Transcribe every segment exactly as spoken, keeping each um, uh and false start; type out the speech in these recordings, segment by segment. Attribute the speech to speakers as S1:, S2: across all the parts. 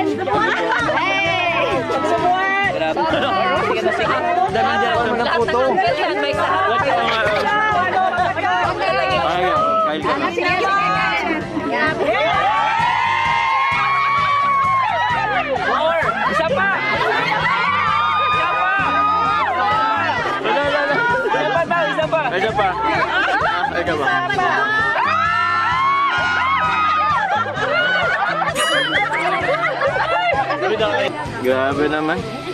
S1: Hey! Pagsubuan!
S2: Grabe. Sige na sige. Dami dyan ako ng puto.
S1: May sahag.
S2: What ka nga? Ayaw. Kail ka na. More! Isa pa! Isa pa! Wala, wala, wala. Isa pa daw, isa pa. Isa pa. Ay ka ba? Grabe naman.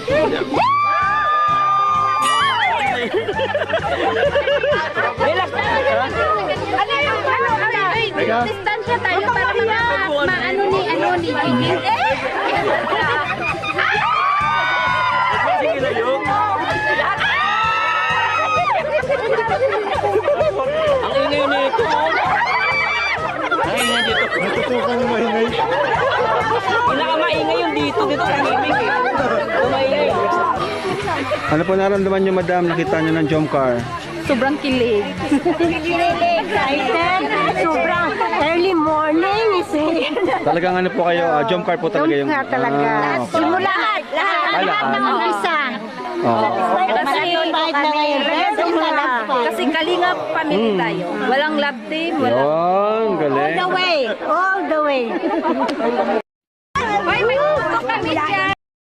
S1: Relax na. Ano yung ano? Ano? Distansya tayo para ma- maano ni ano ni Gigi.
S2: Sige na yun. Ang ingay nito. Ang ingay dito.
S3: Natutukan yung maingay.
S2: Pinakamaingay yung dito. Dito kanimig eh. Tumaingay.
S3: Ano po naramdaman nyo, madam? Nakita nyo ng jump car?
S1: Sobrang kilig. Excited. Sobrang early morning is here.
S3: Talagang ano po kayo, ah, jump car po talaga yung...
S1: Jump car talaga.
S3: Ah, okay.
S1: Simula lahat.
S3: Ah, lahat.
S1: ng umpisa.
S3: Oh.
S1: Kasi kalinga family tayo. Walang love team. Walang
S3: Yun, galing.
S1: all the way. All the way.